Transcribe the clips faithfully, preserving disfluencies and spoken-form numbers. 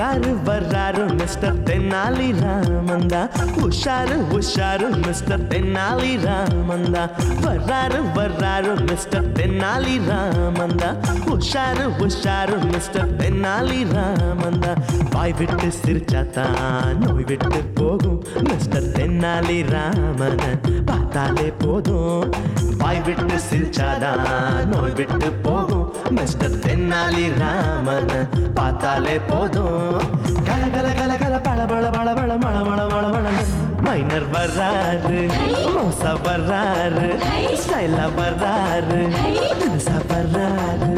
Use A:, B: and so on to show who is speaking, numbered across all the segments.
A: வர்றாரு வர்றாரு மிஸ்டர் தென்னாலி ராமந்தா, உஷாரு உஷாரு மிஸ்டர் தென்னாலி ராமந்தா, வர்றாரு வர்றாரு மிஸ்டர் தென்னாலி ராமந்தா, உஷாரு உஷாரு மிஸ்டர் தென்னாலி ராமந்தா. வாய் விட்டு சிரிச்சாத்தான் நோய் விட்டு போகும் மிஸ்டர் தென்னாலி ராமன் பார்த்தாலே போதும். வாய் விட்டு சிரிச்சாதான் நோய் விட்டு போகும் மிஸ்டர் தென்னாலி ராமன் பார்த்தாலே போதும். கல கல கல கல பழ பழ பழ பழ மழ மழ மழ மழ. மைனர் வர்றாரு, மோசா வர்றாரு, ஸ்டைலா வர்றாரு, தினுசா வர்றாரு.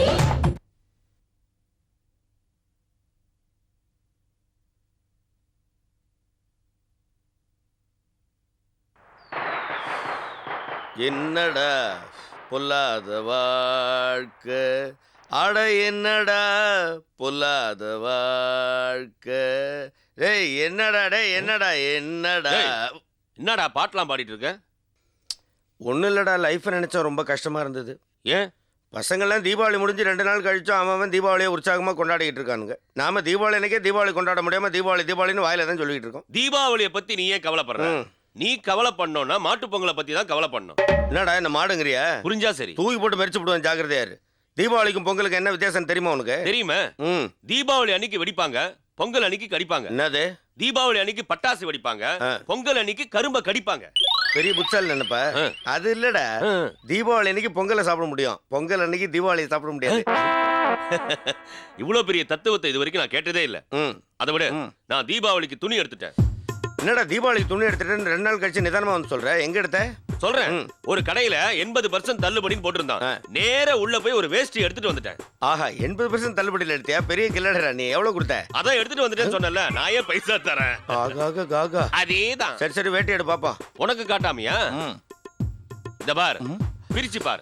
B: என்னடா பொல்லாத வாழ்க்கை, அட என்னடா பொல்லாத வாழ்க்கை. டேய் என்னடா டேய் என்னடா என்னடா
C: என்னடா பாட்டெலாம் பாடிட்டு இருக்க?
B: ஒன்றும் இல்லைடா, லைஃப்பை நினச்சா ரொம்ப கஷ்டமாக இருந்தது.
C: ஏன்?
B: பசங்கள்லாம் தீபாவளி முடிஞ்சு ரெண்டு நாள் கழிச்சோம் அவன் அவன் தீபாவளியை உற்சாகமாக கொண்டாடிக்கிட்டு இருக்கானுங்க. நாம தீபாவளி அன்னைக்கே தீபாவளி கொண்டாட முடியாமல் தீபாவளி தீபாவளின்னு வாயில தான் சொல்லிட்டு இருக்கோம்.
C: தீபாவளியை பற்றி நீ ஏன் கவலைப்படுற? நீ கவலை பண்ணோன்னா மாட்டு பொங்கலை பற்றி தான் கவலை பண்ணணும்.
B: என்னடா என்ன மாடுங்கிறியா?
C: புரிஞ்சா சரி.
B: தூக்கி போட்டு மறிச்சு விடுவேன், ஜாக்கிரதையாரு. தீபாவளிக்கும் பொங்கலுக்கு என்ன வித்தியாசம் தெரியுமா உனக்கு?
C: தெரியுமா? ம். தீபாவளி அன்னைக்கு வெடிப்பாங்க, பொங்கல் அன்னைக்கு கடிப்பாங்க.
B: என்னது?
C: தீபாவளி அன்னைக்கு பட்டாசு வெடிப்பாங்க, பொங்கல் அன்னைக்கு கரும்ப கடிப்பாங்க.
B: பெரிய புட்சால் நினைப்ப? அது இல்லடா, தீபாவளி அன்னைக்கு பொங்கலை சாப்பிட முடியும், பொங்கல் அன்னைக்கு தீபாவளியை சாப்பிட முடியாது.
C: இவ்வளவு பெரிய தத்துவத்தை இது வரைக்கும் நான் கேட்டதே இல்ல. அதை விட நான் தீபாவளிக்கு துணி எடுத்துட்டேன்.
B: என்னடா தீபாவளிக்கு துணி எடுத்துட்டேன்னு ரெண்டு நாள் கழிச்சு நிதானமா வந்து சொல்ற? எங்க எடுத்த?
C: சொல்றேன். ஒரு கடையில எண்பது பர்சன்ட் தள்ளுபடின்னு போட்டிருந்தான். நேர உள்ள போய் ஒரு வேஷ்டி எடுத்துட்டு வந்துட்டேன்.
B: ஆஹா, எண்பது பர்சன்ட் தள்ளுபடியில் எடுத்தியா? பெரிய கில்லடா நீ. எவ்வளவு கொடுத்த?
C: அதான் எடுத்துட்டு வந்துட்டேன்னு சொன்னல, நான் ஏன் பைசா தரேன்?
B: ஆகாக காகா.
C: அதேதான்.
B: சரி சரி, வேட்டி எடு பாப்பா.
C: உனக்கு காட்டாமியா? இந்த பார், பிரிச்சு பார்.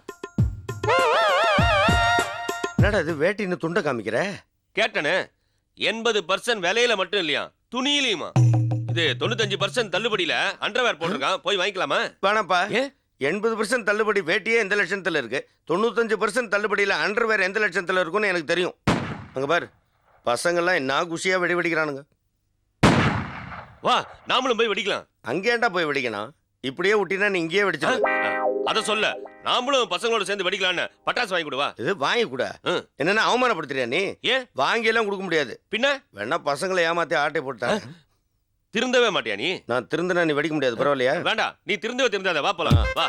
B: என்னடா இது வேட்டின்னு துண்டை காமிக்கிற?
C: கேட்டனே, எண்பது பர்சன்ட் விலையில மட்டும் இல்லையா, துணியிலையுமா. இது தொண்ணூத்தஞ்சு பர்சன்ட் தள்ளுபடியில அண்டர்வேர் போட்டிருக்கான், போய் வாங்கிக்கலாமா?
B: வேணாப்பா. எண்பது பர்சன்ட் தள்ளுபடி வேட்டியே எந்த லட்சத்துல இருக்கு, தொண்ணூத்தஞ்சு பர்சன்ட் தள்ளுபடியில அண்டர்வேர் எந்த லட்சத்துல இருக்குன்னு எனக்கு தெரியும். அங்க பாரு, பசங்கள்லாம் என்ன குஷியா வெடி வெடிக்கிறானுங்க.
C: வா, நாமளும் போய் வெடிக்கலாம்.
B: அங்கேண்டா போய் வெடிக்கணும்? இப்படியே விட்டினா நீ இங்கேயே வெடிச்சு.
C: அத சொல்ல, நாமளும் பசங்களோட சேர்ந்து வெடிக்கலான்னு பட்டாசு வாங்கி கொடுவா.
B: இது வாங்கி கூட என்னன்னா அவமானப்படுத்துறியா நீ?
C: ஏன்?
B: வாங்கி எல்லாம் கொடுக்க முடியாது.
C: பின்ன
B: வேணா பசங்களை ஏமாத்தி ஆட்டை போட்டா.
C: திருந்தவே மாட்டியா நீ?
B: நான் திருந்தனா நீ வெடிக்க முடியாது, பரவாயில்லையா?
C: வேண்டாம், நீ திருந்தவே திருந்தாத. வா போலாம், வா.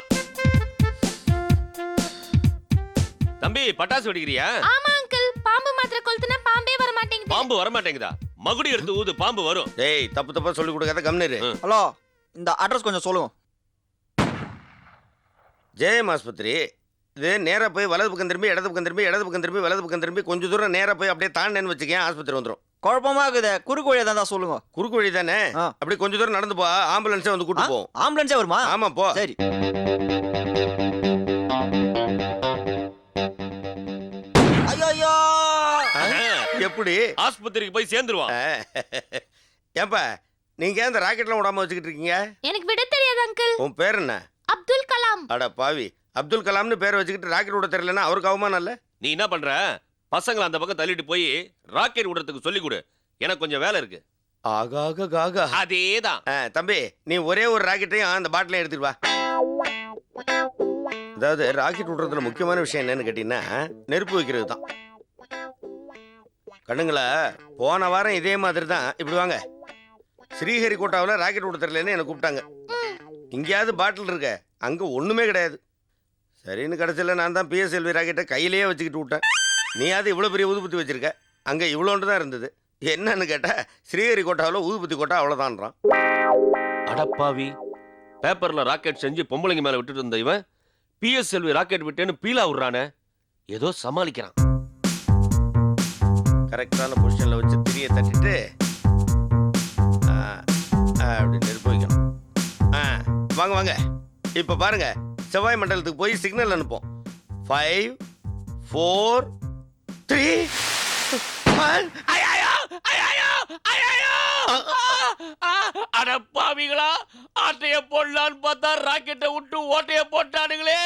C: தம்பி, பட்டாசு வெடிக்கிறியா?
D: ஆமா அங்கிள், பாம்பு மாத்திரை கொளுத்துனா பாம்பே வர மாட்டேங்குது.
C: பாம்பு வர மாட்டேங்குதா? மகுடி எடுத்து ஊது, பாம்பு வரும்.
B: டேய், தப்பு தப்பா சொல்லி கொடுக்காத, கம்னரு.
E: ஹலோ, இந்த அட்ரஸ் கொஞ்சம் சொல்லுங்க.
B: ஜெயம் ஆஸ்பத்திரி. இது நேரா போய் வலது பக்கம் திரும்பி இடது பக்கம் திரும்பி இடது பக்கம் திரும்பி வலது பக்கம் திரும்பி கொஞ்சம் தூரம் நேரா போய் அப்படியே தாண்டேன்னு வச்சுக்கேன், ஆஸ்பத்திரி வந்துடும்.
E: குழப்பமா இருக்குது, குறுக்கு வழியா தான் சொல்லுங்க.
B: குறுக்கு வழி தானே? அப்படி கொஞ்சம் தூரம் நடந்து போ, ஆம்புலன்ஸே வந்து கூட்டு போவோம்.
E: ஆம்புலன்ஸே வருமா?
B: ஆமா, போ.
E: சரி. ஐயோ,
B: எப்படி
C: ஆஸ்பத்திரிக்கு போய் சேர்ந்துருவான்.
B: ஏப்பா, நீங்க ஏன் இந்த ராக்கெட்லாம் விடாம வச்சுக்கிட்டு இருக்கீங்க?
D: எனக்கு விட தெரியாது அங்கிள்.
B: உன் பேர் என்ன?
D: அப்துல் கலாம்.
B: அட பாவி, அப்துல் கலாம்னு பேரை வச்சுக்கிட்டு ராக்கெட் விட தெரியலன்னா அவருக்கு அவமானம் இல்ல?
C: நீ என்ன பண்ற? பசங்களை அந்த பக்கம் தள்ளிட்டு போய் ராக்கெட் விடுறதுக்கு சொல்லி கொடு, எனக்கு கொஞ்சம் வேலை இருக்கு.
B: ஆகாக காகா.
C: அதேதான்.
B: தம்பி, நீ ஒரே ஒரு ராக்கெட்டையும் அந்த பாட்டிலையும் எடுத்துட்டு வா. அதாவது ராக்கெட் விடுறதுல முக்கியமான விஷயம் என்னன்னு கேட்டீங்கன்னா, நெருப்பு வைக்கிறது தான். கண்ணுங்களா, போன வாரம் இதே மாதிரி தான். இப்படி வாங்க, ஸ்ரீஹரிகோட்டாவில் ராக்கெட் விட தெரியலன்னு என்னை கூப்பிட்டாங்க. இங்கேயாவது பாட்டில் இருக்க, அங்கே ஒன்றுமே கிடையாது. சரின்னு கடைசியில் நான் தான் பிஎஸ்எல்வி ராக்கெட்டை கையிலேயே வச்சுக்கிட்டு விட்டேன். நீயாவது இவ்வளோ பெரிய ஊதுபத்தி வச்சிருக்க, அங்கே இவ்வளோண்டு தான் இருந்தது. என்னன்னு கேட்டால் ஸ்ரீஹரிகோட்டாவில் ஊதுபத்தி கோட்டா அவ்வளோதான்றான்.
C: அடப்பாவி, பேப்பரில் ராக்கெட் செஞ்சு பொம்பளைங்க மேலே விட்டுட்டு இருந்த இவன் பிஎஸ்எல்வி ராக்கெட் விட்டேன்னு பீலா விடுறானே, ஏதோ சமாளிக்கிறான்.
B: கரெக்டான பொசிஷனில் வச்சு திரியை தட்டிட்டு அப்படி நெருப்பு வைக்கணும். ஆ, வாங்க வாங்க. இப்போ பாருங்க, செவ்வாய் மண்டலத்துக்கு போய் சிக்னல் அனுப்போம். ஃபைவ் ஃபோர் த்ரீ
C: அடப்பாவிகளா, ஆட்டைய போடலான்னு பார்த்தா ராக்கெட்டை விட்டு ஓட்டைய போட்டானுங்களே.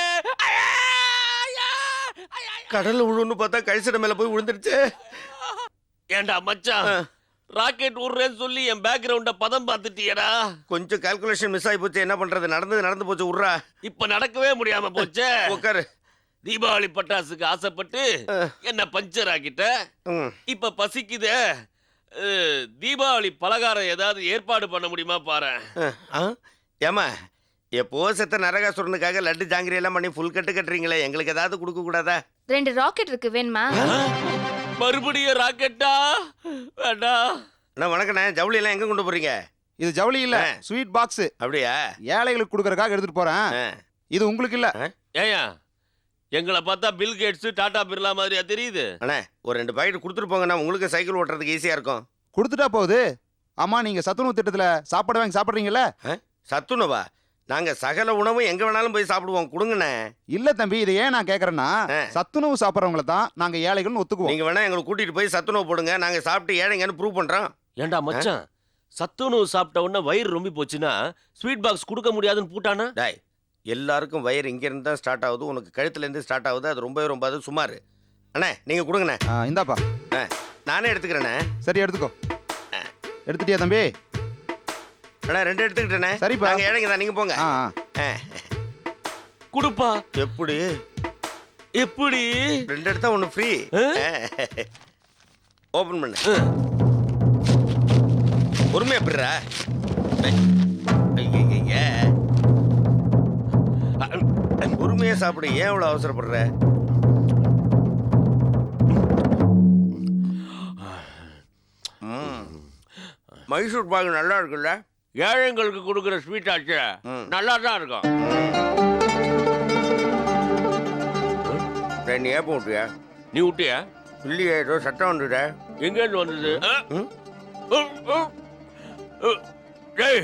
B: கடல்ல விழுன்னு பார்த்தா கழிச்சிட மேல போய் விழுந்துருச்சு.
C: ஏண்டா மச்சான், ராக்கெட் விடுறேன்னு சொல்லி என் பேக்ரவுண்ட பதம் பார்த்துட்டியடா.
B: கொஞ்சம் கால்குலேஷன் மிஸ் ஆகி போச்சு, என்ன பண்றது? நடந்தது நடந்து போச்சு, உட்றா.
C: இப்ப நடக்கவே முடியாம போச்சே.
B: உட்காரு.
C: தீபாவளி பட்டாசுக்கு ஆசைப்பட்டு என்ன பஞ்சர் ஆக்கிட்ட.
B: ம்.
C: இப்ப பசிக்குதே. அஹ், தீபாவளி பலகாரம் ஏதாவது ஏற்பாடு பண்ண முடியுமா பாரு.
B: ஆ? ஏம்மா, எப்போ செத்த நரகாசுரனுக்காக லட்டு ஜாங்கிரி எல்லாம் பண்ணி ஃபுல் கட்டு கட்டுறீங்களே, எங்களுக்கு ஏதாவது கொடுக்க கூடாதா?
D: ரெண்டு ராக்கெட் இருக்கு, வேணுமா?
C: மறுபடியும் ராக்கெட்டா? வேண்டாம்.
B: அண்ணா வணக்கண்ணே, ஜவுளி எல்லாம் எங்க கொண்டு போறீங்க?
F: இது ஜவுளி இல்ல, ஸ்வீட் பாக்ஸ்.
B: அப்படியா?
F: ஏழைகளுக்கு கொடுக்கறதுக்காக எடுத்துட்டு போறேன்.
B: ஆ.
F: இது உங்களுக்கு இல்ல.
C: ஏயா எங்களை பார்த்தா பில் கேட்ஸ் டாடா பிர்லா மாதிரியா தெரியுது?
B: அண்ணே ஒரு ரெண்டு பாக்கெட் கொடுத்துட்டு போங்கண்ணா, உங்களுக்கு சைக்கிள் ஓட்டுறதுக்கு ஈஸியா இருக்கும்.
F: கொடுத்துட்டா போகுது. ஆமா, நீங்க சத்துணவு திட்டத்துல சாப்பாடு வாங்கி சாப்பிடுறீங்கல்ல?
B: சத்துணவா? நாங்க சகல உணவும் எங்க வேணாலும் போய் சாப்பிடுவோம், கொடுங்கண்ணே.
F: இல்ல தம்பி, இதை ஏன் நான் கேக்குறேன்னா,
B: ஆ.
F: சத்துணவு சாப்பிடுறவங்கள தான் நாங்க ஏழைகள்னு ஒத்துக்குவோம்.
B: நீங்க வேணா எங்களை கூட்டிட்டு போய் சத்துணவு போடுங்க, நாங்க சாப்பிட்டு ஏழைங்கன்னு ப்ரூவ் பண்றோம்.
C: ஏண்டா மச்சான், சத்துணவு சாப்பிட்ட உடனே வயிறு ரொம்ப போச்சுன்னா ஸ்வீட் பாக்ஸ் கொடுக்க முடியாதுன்னு பூட்டானா?
B: டாய், எல்லாருக்கும் வயிறு இங்க இருந்து தான் ஸ்டார்ட் ஆகுது, உனக்கு கழுத்துல இருந்து ஸ்டார்ட் ஆகுது, அது ரொம்பவே ரொம்ப அது சுமார். அண்ணே நீங்க கொடுங்கண்ணே.
F: ஆ, இந்தாப்பா.
B: ஆ, நானே எடுத்துக்கிறேண்ணே.
F: சரி, எடுத்துக்கோ. எடுத்துட்டியா தம்பி?
B: அண்ணா ரெண்டு எடுத்துக்கிட்டேண்ணே.
F: சரிப்பா.
B: நாங்க ஏழைங்க தான், நீங்க போங்க.
F: ஆ, ஆ.
B: ஆ.
C: குடுப்பா.
B: எப்படி?
C: எப்படி?
B: ரெண்டு எடுத்தா ஒன்று ஃப்ரீ. ஓபன் பண்ணு. பொறுமையா பிடுறா. பொறுமையா சாப்பிடு, ஏன் இவ்வளவு அவசரப்படுற? ம். மைசூர் பாகு நல்லா இருக்குல்ல?
C: ஏழைங்களுக்கு கொடுக்குற ஸ்வீட் ஆச்சு,
B: ம்.
C: நல்லா தான் இருக்கும்.
B: டேய், நீ ஏப்ப விட்டியா?
C: நீ விட்டியா?
B: இல்லையே, ஏதோ சட்டம் வந்துட்ட.
C: எங்க இருந்து வந்தது?
B: ம்?
C: டேய்,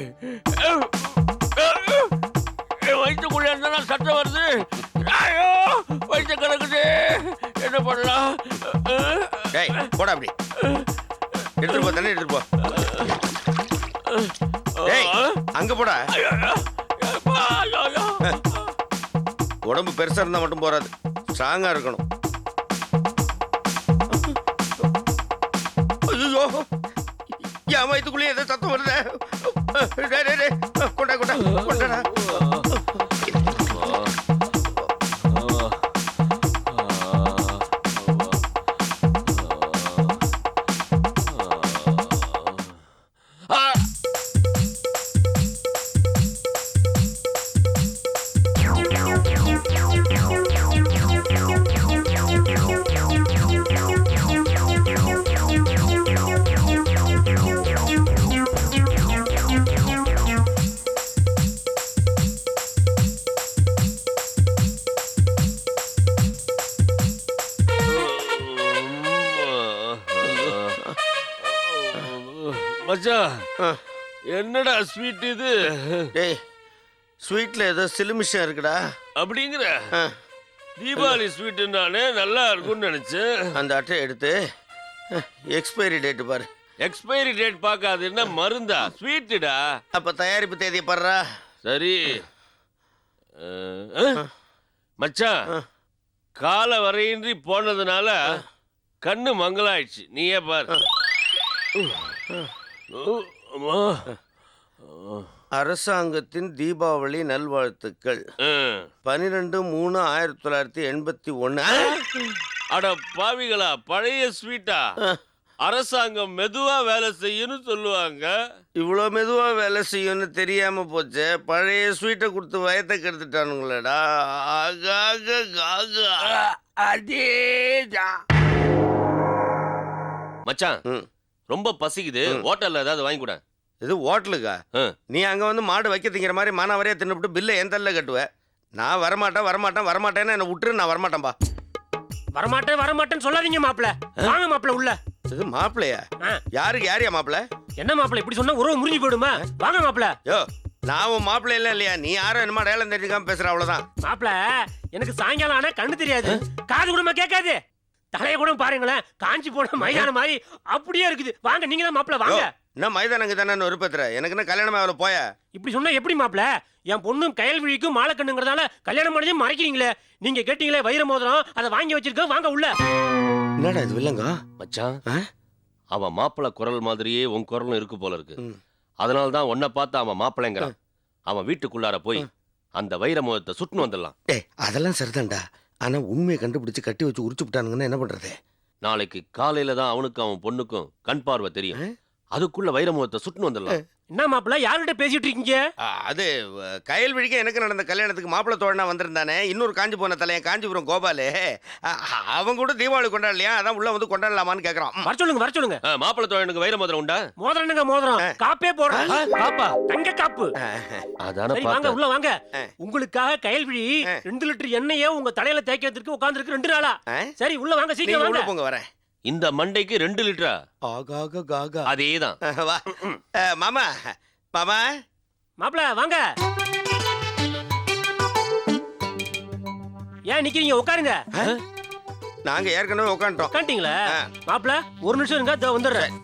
C: என் வயிற்றுக்குள்ள இருந்தா சட்டம் வருது. ஐயோ, வயிற்று கிடக்குது, என்ன பண்ணலாம்?
B: டேய் போடா அப்படி. எடுத்துட்டு போ, தண்ணி எடுத்துட்டு போ. டேய் அங்க போடா. உடம்பு பெருசா இருந்தா மட்டும் போறாது, ஸ்ட்ராங்கா இருக்கணும். ஐயோ, என் வயிற்றுக்குள்ளேயே ஏதோ சத்தம் வருது. டேய், டேய், டேய், கொண்டா கொண்டா கொண்டாடா.
C: மச்சான், என்னடா ஸ்வீட் இது?
B: டேய், ஸ்வீட்ல ஏதோ சிலுமிஷம் இருக்குடா.
C: அப்படிங்கிற?
B: ஆ.
C: தீபாவளி ஸ்வீட்டுனாலே நல்லா இருக்கும்னு நினைச்சேன்.
B: அந்த அட்டை எடுத்து எக்ஸ்பைரி டேட்டு பாரு.
C: எக்ஸ்பைரி டேட் பார்க்காது, என்ன மருந்தா? ஸ்வீட்டுடா.
B: அப்ப தயாரிப்பு தேதியை பாடுறா.
C: சரி. அஹ், அஹ். மச்சான், கால வரையின்றி போனதுனால கண்ணு மங்கலாயிடுச்சு, நீயே பாரு. அம்மா.
B: அரசாங்கத்தின் தீபாவளி நல்வாழ்த்துக்கள்.
C: அஹ்.
B: பனிரெண்டு மூணு ஆயிரத்தி தொள்ளாயிரத்தி எண்பத்தி ஒன்னு.
C: அட பாவிகளா, பழைய ஸ்வீட்டா? அரசாங்கம் மெதுவா வேலை செய்யணும் சொல்லுவாங்க.
B: இவ்வளோ மெதுவா வேலை செய்யும்னு தெரியாம போச்சே. பழைய ஸ்வீட்டை கொடுத்து வயத்தை கெடுத்துட்டானுங்களேடா. ஆகாக காகா.
C: அதேதான் மச்சான்.
B: ம்.
C: ரொம்ப பசிக்குது, ஹோட்டல்ல ஏதாவது வாங்கி கூட.
B: இது ஹோட்டலுக்கா? நீ அங்க வந்து மாடு வைக்க திங்கிற மாதிரி மானாவரியா தின்னுபிட்டு பில்லை என் தள்ள கட்டுவ. நான் வரமாட்டேன் வரமாட்டேன் வரமாட்டேன்னு என்ன விட்டுரு, நான் வரமாட்டேன்பா.
G: வரமாட்டேன் வரமாட்டேன்னு சொல்லாதீங்க மாப்பிள. வாங்க மாப்பிள உள்ள.
B: இது மாப்பிள்ளையா?
G: ஆ.
B: யாருக்கு யாரியா மாப்பிள்ள?
G: என்ன மாப்பிள இப்படி சொன்னா உறவு முறிஞ்சு போயிடுமா? வாங்க மாப்பிள.
B: யோ, நான் உன் மாப்பிள்ளை இல்ல இல்லையா? நீ யாரும் என்னமா டேலம் தெரிஞ்சுக்காம பேசுற, அவ்வளவுதான்.
G: மாப்பிள, எனக்கு சாயங்காலம் ஆனா கண்ணு தெரியாது, காது கூடமா கேட்காது, தலைய கூட பாருங்களேன் காஞ்சி போன மைதான மாதிரி அப்படியே இருக்குது. வாங்க, நீங்க தான் மாப்பிள, வாங்க.
B: என்ன மைதானங்க தானே விருப்பத்துற? எனக்கு என்ன கல்யாணம் ஆகல போய.
G: இப்படி சொன்னா எப்படி மாப்பிள? என் பொண்ணும் கயல்விழிக்கும் மாலக்கண்ணுங்கிறதால கல்யாணம் பண்ணதையும் மறைக்கிறீங்களே. நீங்க கேட்டீங்களே வைர மோதிரம், அதை வாங்கி வச்சிருக்க, வாங்க உள்ள.
B: என்னடா இது வில்லங்க?
C: மச்சான், அவன் மாப்பிள்ளை குரல் மாதிரியே உன் குரலும் இருக்கு போல இருக்கு.
B: ம்.
C: அதனால தான் உன்னை பார்த்து அவன் மாப்பிள்ளைங்கிறான். அவன் வீட்டுக்குள்ளார போய் அந்த வைர முகத்தை சுட்டுன்னு வந்துடலாம்.
B: டேய் அதெல்லாம் சரிதான்டா. ஆனா உண்மையை கண்டுபிடிச்சு கட்டி வச்சு உரிச்சு விட்டானுங்கன்னா என்ன பண்றது?
C: நாளைக்கு காலையில தான் அவனுக்கும் அவன் பொண்ணுக்கும் கண் பார்வை தெரியும். அதுக்குள்ள வைர முகத்தை சுட்டுன்னு வந்துடலாம்.
G: என்ன மாப்பிள்ள யார்கிட்ட பேசிட்டு இருக்கீங்க?
B: ஆ, அது அஹ், கயல் விழிக்க எனக்கு நடந்த கல்யாணத்துக்கு மாப்பிள்ளை தோழனா வந்திருந்தானே இன்னொரு காஞ்சி போன தலையன் காஞ்சிபுரம் கோபாலு. அ- அவங்க கூட தீபாவளி கொண்டாடலையா? அதான் உள்ள வந்து கொண்டாடலாமான்னு கேக்குறான். ம்.
G: வர சொல்லுங்க வர சொல்லுங்க.
C: ஆ, மாப்பிள்ளை தோழனுக்கு வைர மோதிரம் உண்டா?
G: மோதிரம் என்னங்க மோதிரம்? காப்பே போடுறேன்.
C: பாப்பா
G: தங்க காப்பு.
C: அதான
G: சரி வாங்க
C: பார்த்தேன்.
G: உள்ள வாங்க.
B: ஆ.
G: உங்களுக்காக கயல்விழி
B: ஆ.
G: ரெண்டு லிட்டர் எண்ணெயே உங்க தலையில தேய்க்கிறதுக்கு உட்கார்ந்துருக்கு ரெண்டு நாளா.
B: ஆ?
G: சரி உள்ள வாங்க
B: நீங்க
G: சீக்கிரம்
B: உள்ள
G: வாங்க.
B: போங்க வரேன்.
C: இந்த மண்டைக்கு ரெண்டு லிட்டரா?
B: ஆகாக காகா.
C: அதேதான்.
B: வா. அஹ், மாமா மாமா
G: மாப்பிள்ள வாங்க. ஏன் நிக்கிறீங்க? உட்காருங்க.
B: நாங்க ஏற்கனவே உட்காந்துட்டோம்.
G: உட்காந்துட்டீங்களா?
B: ஆ.
G: மாப்பிள்ள ஒரு நிமிஷம் இருங்க, இதோ வந்துடுறேன்.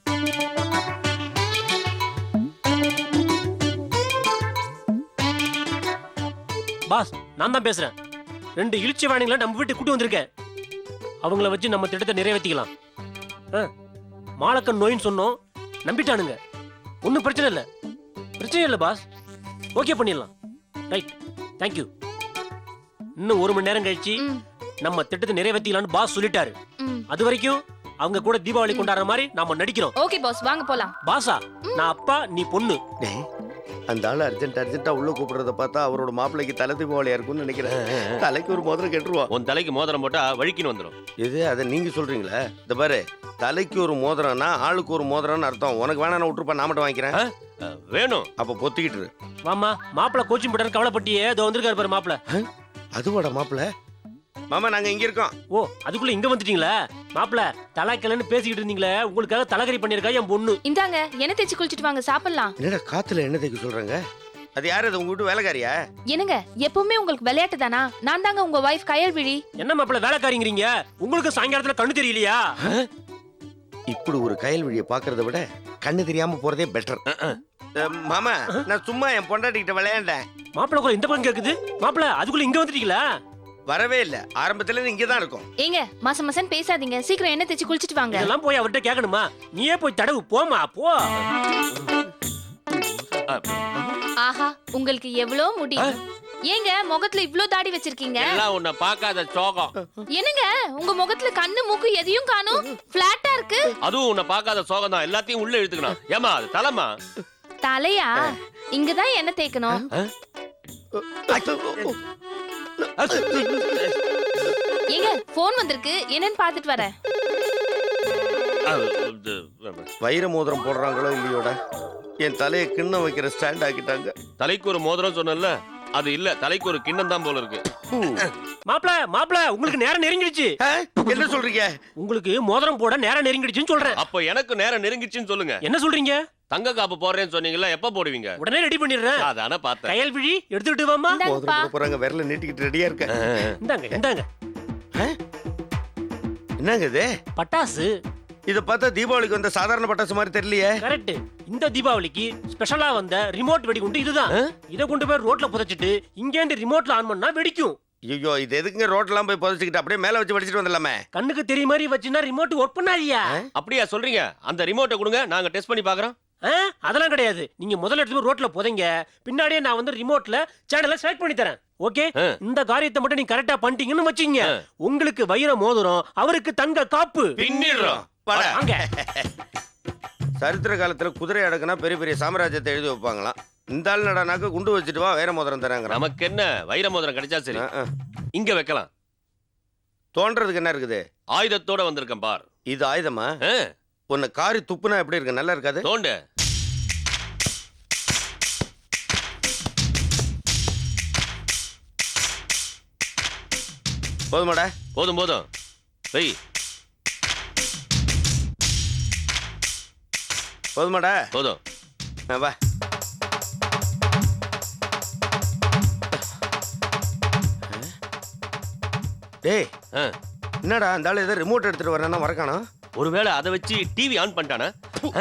G: பாஸ் நான் தான் பேசுறேன். ரெண்டு இழிச்சி வாணிகளை நம்ம வீட்டுக்கு கூட்டி வந்திருக்கேன். அவங்கள வச்சு நம்ம திட்டத்தை நிறைவேற்றிக்கலாம். ஆ, மாலக்கன் நோயின்னு சொன்னோம், நம்பிட்டானுங்க. ஒன்றும் பிரச்சனை இல்லை, பிரச்சனை இல்லை பாஸ். ஓகே பண்ணிடலாம். Right, thank you. இன்னும் ஒரு மணி நேரம் கழிச்சு
D: ம்,
G: நம்ம திட்டத்தை நிறைவேற்றிக்கலாம்னு பாஸ் சொல்லிட்டாரு.
D: ம்.
G: அது வரைக்கும் அவங்க கூட தீபாவளி கொண்டாடுற மாதிரி நாம நடிக்கிறோம்.
D: ஓகே பாஸ், வாங்க போலாம்.
G: பாசா நான் அப்பா, நீ பொண்ணு.
B: டேய், அந்த ஆள் அர்ஜென்ட் அர்ஜென்ட்டா உள்ள கூப்பிடுறத பார்த்தா அவரோட மாப்பிள்ளைக்கு தலை தீபாவளியா இருக்கும்னு நினைக்கிறேன். தலைக்கு ஒரு மோதிரம் கெட்டுருவான்.
C: உன் தலைக்கு மோதிரம் போட்டா வழிக்கின்னு வந்துடும்.
B: இது அதை நீங்க சொல்றீங்களா? இந்த பாரு, தலைக்கு ஒரு மோதிரம்னா ஆளுக்கு ஒரு மோதிரம்னு அர்த்தம். உனக்கு வேணா நான் விட்டுருப்பா, நான் மட்டும் வாங்கிக்கிறேன்.
C: ஆ, வேணும்.
B: அப்ப பொத்திக்கிட்டு இரு.
G: வாமா மாப்பிள்ள கோச்சிங் போட்டாரு, கவலைப்பட்டியே. இதோ வந்திருக்காரு பாரு மாப்பிள்ள.
B: அதுவாடா மாப்பிள்ள. மாமா நாங்க இங்க இருக்கோம்.
G: ஓ அதுக்குள்ள இங்க வந்துட்டீங்களா? மாப்பிள்ள தலைக்கலன்னு பேசிக்கிட்டு இருந்தீங்களே, உங்களுக்காக தலைகறி பண்ணிருக்கா என் பொண்ணு.
D: இந்தாங்க எண்ணெய் தேய்ச்சி குளிச்சிட்டு வாங்க, சாப்பிடலாம்.
B: என்னடா காத்துல என்ன தைக்க சொல்றாங்க? அது யாரு? அது உங்க வீட்டு வேலைக்காரியா?
D: என்னங்க எப்பவுமே உங்களுக்கு விளையாட்டு தானா? நான் தாங்க உங்க வைஃப் கயல்விழி.
G: என்ன மாப்பிள்ள வேலைக்காரிங்கிறீங்க? உங்களுக்கு சாயங்காலத்துல கண்ணு தெரியலையா?
B: இப்படி ஒரு கயல் வழியை பாக்குறத விட கண்ணு தெரியாம போறதே பெட்டர். மாமா நான் சும்மா என் பொண்டாட்டிக்கிட்ட விளையாண்டேன்.
G: மாப்பிள்ள கூட இந்த பக்கம் கேக்குது. மாப்பிள்ள அதுக்குள்ள இங்க வந்துட்டீங்களா?
B: வரவே இல்ல, ஆரம்பத்துல இருந்து இங்கதான் இருக்கும்.
D: ஏங்க மாசம் மாசம் பேசாதீங்க, சீக்கிரம் எண்ணெய் தேய்ச்சி குளிச்சிட்டு வாங்க.
G: இதெல்லாம் போய் அவர்கிட்ட கேட்கணுமா? நீயே போய் தடவு, போமா போ.
D: ஆஹா உங்களுக்கு எவ்வளவு முடி. ஏங்க முகத்துல இவ்ளோ தாடி வச்சிருக்கீங்க?
C: எல்லாம் உன்னை பார்க்காத சோகம்.
D: என்னங்க உங்க முகத்துல கண்ணு மூக்கு எதையும் காணும், பிளாட்டா இருக்கு.
C: அதுவும் உன்னை பார்க்காத சோகம் தான். எல்லாத்தையும் உள்ள இழுத்துக்கணும். ஏமா அது தலைமா?
D: தலையா? இங்கதான் எண்ணெய் தேய்க்கணும். ஏங்க போன் வந்திருக்கு, என்னன்னு பாத்துட்டு வரேன்.
B: வைர மோதிரம் போடுறாங்களோ இல்லையோட என் தலையை கிண்ணம் வைக்கிற ஸ்டாண்ட் ஆக்கிட்டாங்க.
C: தலைக்கு ஒரு மோதிரம் சொன்னல, அது இல்ல, தலைக்கு ஒரு கிண்ணம் தான் போல இருக்கு.
G: மாப்பிள்ள மாப்பிள்ள உங்களுக்கு நேரம் நெருங்கிடுச்சு.
B: ஆ? என்ன சொல்றீங்க?
G: உங்களுக்கு மோதிரம் போட நேரம் நெருங்கிடுச்சுன்னு சொல்றேன்.
C: அப்ப எனக்கு நேரம் நெருங்கிச்சுன்னு சொல்லுங்க.
G: என்ன சொல்றீங்க?
C: தங்க காப்பு போடுறேன்னு சொன்னீங்கல்ல, எப்ப போடுவீங்க?
G: உடனே ரெடி பண்ணிடுறேன்.
C: அதான பார்த்தேன்.
G: கயல்விழி எடுத்துக்கிட்டு வாமா.
D: இந்தாங்கப்பா.
B: மோதிரம் போட போறாங்க, விரல நீட்டிக்கிட்டு ரெடியா இருக்க.
G: இந்தாங்க இந்தாங்க
B: என்னங்க இது?
G: பட்டாசு.
B: இத பார்த்தா தீபாவளிக்கு வந்த சாதாரண பட்டாசு மாதிரி தெரியலையே.
G: கரெக்ட். இந்த தீபாவளிக்கு ஸ்பெஷலா வந்த ரிமோட் வெடிகுண்டு இதுதான். இத கொண்டு போய் ரோட்ல புதைச்சிட்டு இங்க இருந்து ரிமோட்ல ஆன் பண்ணா வெடிக்கும்.
B: ஐயோ இது எதுக்குங்க ரோட்லாம் போய் புதைச்சிக்கிட்டு அப்படியே மேல வச்சு படிச்சுட்டு வந்துடலாமே.
G: கண்ணுக்கு தெரிய மாதிரி வச்சுனா ரிமோட் ஒர்க் பண்ணாதியா?
C: அப்படியா சொல்றீங்க? அந்த ரிமோட்டை கொடுங்க, நாங்க டெஸ்ட் பண்ணி பாக்குறோம்.
G: அதெல்லாம் கிடையாது. நீங்க முதல்ல எடுத்து போய் ரோட்ல புதைங்க, பின்னாடியே நான் வந்து ரிமோட்ல சேனலை செலக்ட் பண்ணி தரேன். ஓகே, இந்த காரியத்தை மட்டும் நீங்க கரெக்டா பண்ணிட்டீங்கன்னு வச்சுங்க, உங்களுக்கு வைர மோதிரம், அவருக்கு தங்க காப்பு.
C: பின்னிடுறோம்.
B: வாடா.
G: வாங்க.
B: சரித்திர காலத்துல குதிரை அடக்குனா பெரிய பெரிய சாம்ராஜ்யத்தை எழுதி வைப்பாங்களாம். இந்த ஆள் நடனாக்க குண்டு வச்சுட்டு வா வைர மோதிரம் தராங்க.
C: நமக்கு என்ன, வைர மோதிரம் கிடைச்சா சரி. இங்க வைக்கலாம்.
B: தோன்றதுக்கு என்ன இருக்குது?
C: ஆயுதத்தோட வந்திருக்கேன் பார்.
B: இது ஆயுதமா?
C: ஆ,
B: உன்னை காரி துப்புனா எப்படி இருக்கு? நல்லா இருக்காது?
C: தோண்டு.
B: போதுமாடா?
C: போதும் போதும். வெய்.
B: போதுமாடா?
C: போதும்.
B: ஆ, வா. டேய்
C: ஆ,
B: என்னடா அந்த ஆள் ஏதோ ரிமோட் எடுத்துட்டு வரேன்னா மறக்கானா?
C: ஒருவேளை அதை வச்சு டிவி ஆன் பண்ணிட்டானா? ஆ?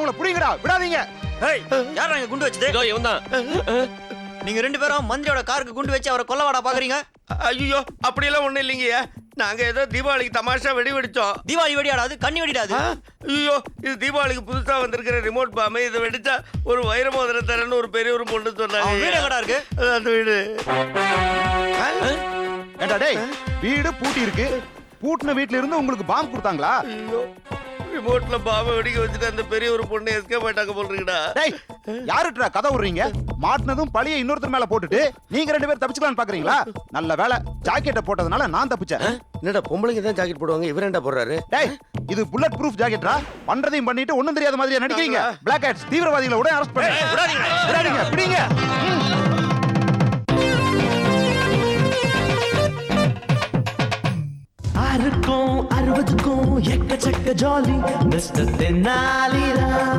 F: அவங்கள புடிங்கடா, விடாதீங்க.
E: ஏய் யார் அங்க குண்டு வச்சது?
C: இதோ இவன் தான்.
E: நீங்க ரெண்டு பேரும் மந்திரியோட காருக்கு குண்டு வச்சு அவரை கொல்லவாடா பாக்குறீங்க?
B: ஐயோ அப்படியெல்லாம் ஒண்ணும் இல்லைங்கய்யா. நாங்க ஏதோ தீபாவளிக்கு தமாஷா வெடி வெடிச்சோம்.
E: தீபாவளி வெடியாடாது, கண்ணி வெடிடாது.
B: ஆ, ஐயோ இது தீபாவளிக்கு புதுசா வந்திருக்கிற ரிமோட் பாம்பு. இதை வெடிச்சா ஒரு வைர மோதிரம் தரேன்னு ஒரு பெரிய ஒரு பொண்ணு
E: அவன் வீடு
B: சொன்னாங்க.
E: எங்கடா இருக்கு?
B: அதான் அந்த வீடு. ஆ,
F: ஏண்டா டேய், வீடு பூட்டி இருக்கு. பூட்டின வீட்ல இருந்து உங்களுக்கு பாம்பு கொடுத்தாங்களா?
B: ஐயோ ரிமோட்ல பாம்பை வெடிக்க வச்சுட்டு அந்த பெரிய ஒரு பொண்ணு எஸ்கேப் ஆயிட்டாங்க போல் இருக்குடா.
F: டேய், யாருடா கதை விடுறீங்க? மாட்டினதும் பழிய இன்னொருத்தர் மேல போட்டுட்டு நீங்க ரெண்டு பேரும் தப்பிச்சுக்கலாம்னு பாக்குறீங்களா? நல்ல வேலை, ஜாக்கெட்டை போட்டதுனால நான் தப்பிச்சேன்.
B: என்னடா பொம்பளைங்க தான் ஜாக்கெட் போடுவாங்க, இவர் என்ன போடுறாரு?
F: டேய், இது புல்லட் ப்ரூஃப் ஜாக்கெட்ரா. பண்றதையும் பண்ணிட்டு ஒண்ணும் தெரியாத மாதிரியா நடிக்கிறீங்க? பிளாக் ஹேட்ஸ் தீவிரவாதிகளை உடனே அரெஸ்ட் பண்ணுங்க. விடாதீங்க, பிடிங்க.
A: ஆறுக்கும் அறுபதுக்கும் எக்கச்சக்க ஜாலி மிஸ்டர் தென்னாலிராம்.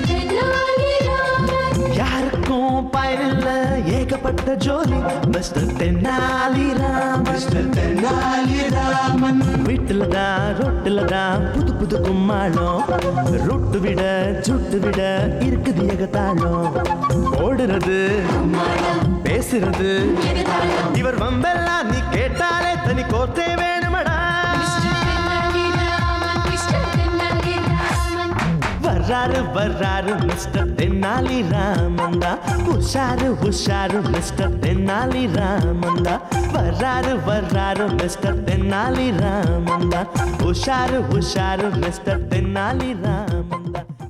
A: யாருக்கும் பயனில்ல ஏகப்பட்ட ஜோலி மிஸ்டர் தென்னாலிராம். மிஸ்டர் தென்னாலிராமன் வீட்டுல தான் ரொட்டுல தான் புது புது கும்மாளம். ரொட்டு விட சுட்டு விட இருக்குது ஏகத்தாளம். ஓடுறது பேசுறது இவர் வம்பெல்லாம் நீ கேட்டாலே தனி கோத்தே வேணுமடா. வர்றாரு வர்றாரு மிஸ்டர் தென்னாலி ராமந்தா. உஷாரு உஷாரு மிஸ்டர் தென்னாலி ராமந்தா. வர்றாரு வர்றாரு மிஸ்டர் தென்னாலி ராமந்தா. உஷாரு உஷாரு மிஸ்டர் தென்னாலி ராமந்தா.